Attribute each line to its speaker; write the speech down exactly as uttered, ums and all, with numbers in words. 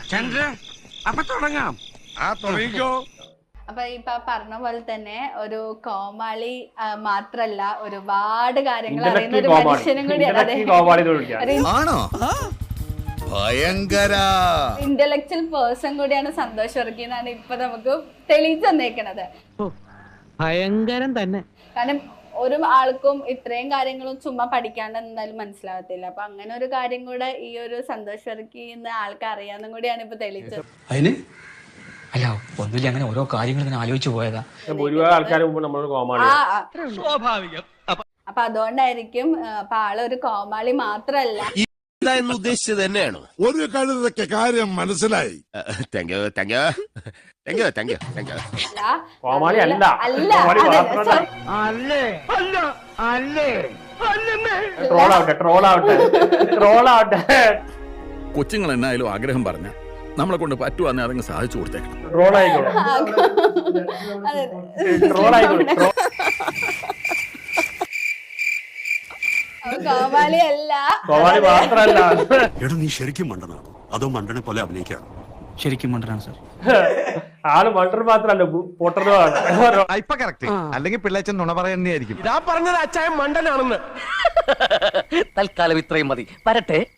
Speaker 1: ചന്ദ്രൻ അപ്പൊ തുടങ്ങാം. ആ തുടങ്ങിക്കോ.
Speaker 2: അപ്പൊ ഇപ്പൊ പറഞ്ഞ പോലെ തന്നെ ഒരു കോമാളി മാത്രല്ല ഒരുപാട് കാര്യങ്ങൾ അറിയുന്ന ഒരു മനുഷ്യനും കൂടിയാണ്. ഇന്റലക്ച്വൽ പേഴ്സൺ കൂടിയാണ് സന്തോഷ് വർക്കി എന്നാണ് ഇപ്പൊ നമുക്ക് തെളിയിച്ചു തന്നേക്കണത്.
Speaker 3: ഭയങ്കരം തന്നെ.
Speaker 2: കാരണം ഒരു ആൾക്കും ഇത്രയും കാര്യങ്ങളും ചുമ്മാ പഠിക്കാണ്ട് എന്തായാലും മനസ്സിലാവത്തില്ല. അപ്പൊ അങ്ങനെ ഒരു കാര്യം കൂടെ ഈ ഒരു സന്തോഷ് വർക്കി എന്ന ആൾക്ക് അറിയാന്നും കൂടിയാണ് ഇപ്പൊ തെളിയിച്ചത്.
Speaker 4: അല്ല ഒന്നുമില്ല, അങ്ങനെ ഓരോ കാര്യങ്ങൾ ഇങ്ങനെ ആലോചിച്ചു പോയതാ.
Speaker 2: സ്വാഭാവികം. അപ്പൊ അതുകൊണ്ടായിരിക്കും അപ്പൊ ആളൊരു കോമാളി മാത്രല്ല
Speaker 1: ഉദ്ദേശിച്ചത് തന്നെയാണ്. ഒരു കഴുതൊക്കെ കാര്യം മനസ്സിലായി. Thank you thank you thank you thank you thank you.
Speaker 5: കൊച്ചുങ്ങൾ എന്നായാലും ആഗ്രഹം പറഞ്ഞ നമ്മളെ കൊണ്ട് പറ്റുവാന്നെ അതങ്ങ് സാധിച്ചു കൊടുത്തേക്കണം.
Speaker 2: കോമാളി അല്ല,
Speaker 6: കോമാളി മാത്രല്ല.
Speaker 7: എടാ നീ ശരിക്കും മണ്ടനാണോ അതോ മണ്ടനെ പോലെ അഭിനയിക്കാണോ?
Speaker 4: ശരിക്കും മണ്ടനാണ് സാർ.
Speaker 6: ആള് മണ്ടർ മാത്രല്ല പൊട്ടറുമാണ്.
Speaker 8: ഇപ്പൊ കറക്റ്റ്. അല്ലെങ്കിൽ പിള്ളേച്ചൻ നുണ പറയുന്നതായിരിക്കും.
Speaker 1: ഇതാ പറഞ്ഞത് അച്ചായൻ മണ്ടനാണെന്ന്.
Speaker 4: തൽക്കാലം ഇത്രയും മതി. വരട്ടെ.